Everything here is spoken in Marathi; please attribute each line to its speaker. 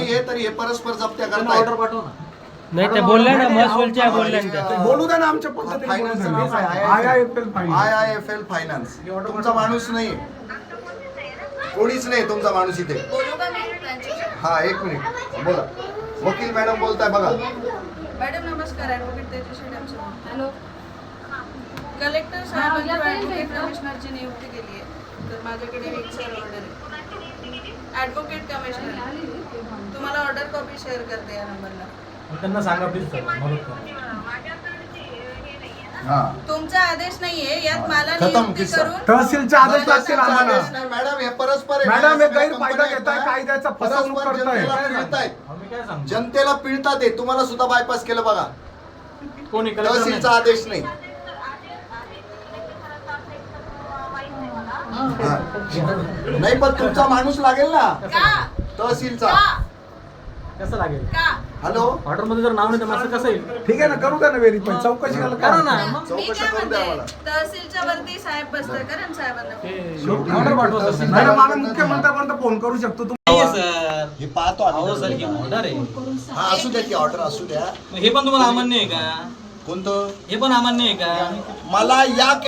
Speaker 1: नाहीये तरी हे परस्पर जप्त्या करताय.
Speaker 2: ऑर्डर पाठव ना.
Speaker 3: नाही ते बोलले ना महसूलच्या बोलले ना त्या.
Speaker 4: बोलू द्या ना आमच्या पद्धतीने.
Speaker 1: फायनान्सचं नाव काय? IIFL finance. तुमचा माणूस नाही, कोणीच नाही तुमचा माणूस इथे. हा, एक मिनिट बोला. वकील मॅडम बोलताय बघा.
Speaker 5: मॅडम नमस्कार. Advocate Tejaswi Damse. Hello. Collector साहेबांनी ॲडव्होकेट कमिशनरची नियुक्ती केली आहे, तर माझ्याकडे एक सर ऑर्डर आहे. ॲडव्होकेट कमिशनर, तुम्हाला ऑर्डर कॉपी शेअर करते या नंबरला.
Speaker 2: त्यांना सांगा प्लीज सर, मदत करा.
Speaker 5: तुमचा आदेश नाहीये यात मला
Speaker 1: खतम
Speaker 5: नियुक्ती
Speaker 1: किस्सा.
Speaker 5: करून
Speaker 4: तहसीलचे आदेश लागतील आम्हाला.
Speaker 1: आदेश नाही मॅडम, हे परस्पर आहे.
Speaker 4: मॅडम हे गैरफायदा घेताय, कायद्याचा फसवणूक
Speaker 1: परस्पर
Speaker 4: करताय.
Speaker 1: जनतेला पिळतायत.
Speaker 2: आम्ही काय सांगतो?
Speaker 1: जनतेला पिळतात ते. तुम्हाला सुद्धा बायपास केलं बघा.
Speaker 2: कोणी कलेक्टर
Speaker 1: तहसीलचा आदेश नाही. नाही पण तुमचा माणूस लागेल ना
Speaker 5: का
Speaker 1: तहसीलचा.
Speaker 5: का
Speaker 2: कसं लागेल?
Speaker 5: का
Speaker 1: हॅलो,
Speaker 2: ऑर्डर मध्ये जर नाव नाही तर माझं कसं येईल?
Speaker 4: ठीक आहे ना, करू द्या ना व्हेरीफाय. चौकशी
Speaker 2: करा
Speaker 4: करा
Speaker 2: ना.
Speaker 5: मी
Speaker 1: चौकशी
Speaker 5: काय
Speaker 1: करून द्या
Speaker 5: म्हणते,
Speaker 1: मला.
Speaker 5: तहसीलच्या वरती साहेब बसतात करण साहेबांना.
Speaker 2: ऑर्डर पाठवा सर.
Speaker 4: मॅडम आम्ही मुख्यमंत्र्यांपर्यंत फोन करू शकतो.
Speaker 2: नाहीये सर.
Speaker 1: हे पाहतो
Speaker 2: अहो
Speaker 1: आम्ही.
Speaker 2: सर, ही ऑर्डर आहे.
Speaker 1: हा, असू द्या की ऑर्डर असू द्या.
Speaker 2: हे पण तुम्हाला अमान्य आहे का?
Speaker 1: कोणतं?
Speaker 2: हे पण अमान्य आहे का?
Speaker 1: मला या